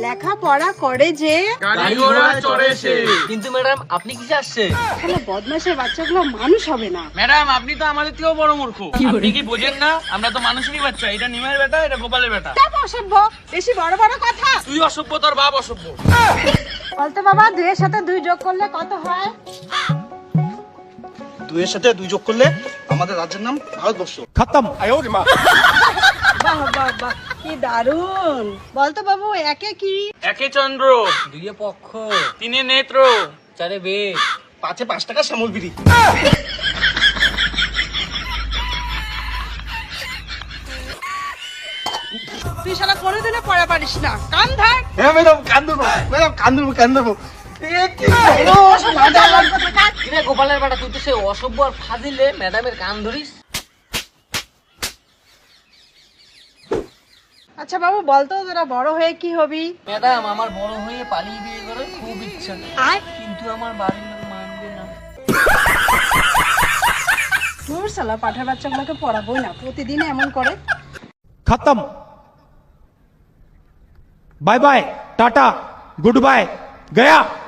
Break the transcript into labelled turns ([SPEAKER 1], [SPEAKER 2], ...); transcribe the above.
[SPEAKER 1] লেখাপড়া করে যে,
[SPEAKER 2] গাড়ি ঘোড়া চড়ে সে।
[SPEAKER 3] কিন্তু ম্যাডাম আপনি কিসে আসছে?
[SPEAKER 1] তাহলে বদমাশের বাচ্চাগুলো মানুষ হবে না।
[SPEAKER 2] ম্যাডাম আপনি তো আমাদের থেকেও বড় মূর্খ। আপনি কি বোঝেন না আমরা তো মানুষেরই বাচ্চা। এটা নিমের বেটা, এটা গোপালের বেটা।
[SPEAKER 1] সব অসভ্য, বেশি বড় বড় কথা।
[SPEAKER 2] তুই অসভ্য, তোর বাপ অসভ্য।
[SPEAKER 1] বলতো বাবা, 2 এর সাথে 2 যোগ করলে কত হয়?
[SPEAKER 4] 2 এর সাথে 2 যোগ করলে আমাদের রাজ্যের নাম ভারতবর্ষ।
[SPEAKER 5] खत्म।
[SPEAKER 1] বাহ বাহ বাহ, কি দারুণ। বলতো বাবু, একে কি?
[SPEAKER 2] একে চন্দ্র,
[SPEAKER 3] 2 পক্ষ,
[SPEAKER 2] 3 নেত্র,
[SPEAKER 3] 4 বেদ,
[SPEAKER 4] 5 5 টাকা শ্যামল বিড়ি।
[SPEAKER 1] তুই শালা কোনোদিনও পড়া পারিস না, কান ধর।
[SPEAKER 4] হ্যাঁ ম্যাডাম, কান ধরবো ম্যাডাম, কান ধরবো, কান ধরবো।
[SPEAKER 3] কিরে গোপালের বেটা, তুই তো সে অসভ্য আর ফাজিলে ম্যাডামের কান ধরিস।
[SPEAKER 1] আচ্ছা বাবু, বলতো তোরা বড় হয়ে কি হবি?
[SPEAKER 3] ম্যাডাম আমার বড় হয়ে পালিয়ে বিয়ে করার খুব ইচ্ছা, কিন্তু আমার বাড়ির লোক মানবে না।
[SPEAKER 1] তোর শালা পাঠার বাচ্চাগুলোকে পড়াবোই না, প্রতিদিন এমন করে।
[SPEAKER 5] खत्म। Bye bye, tata, goodbye, गया।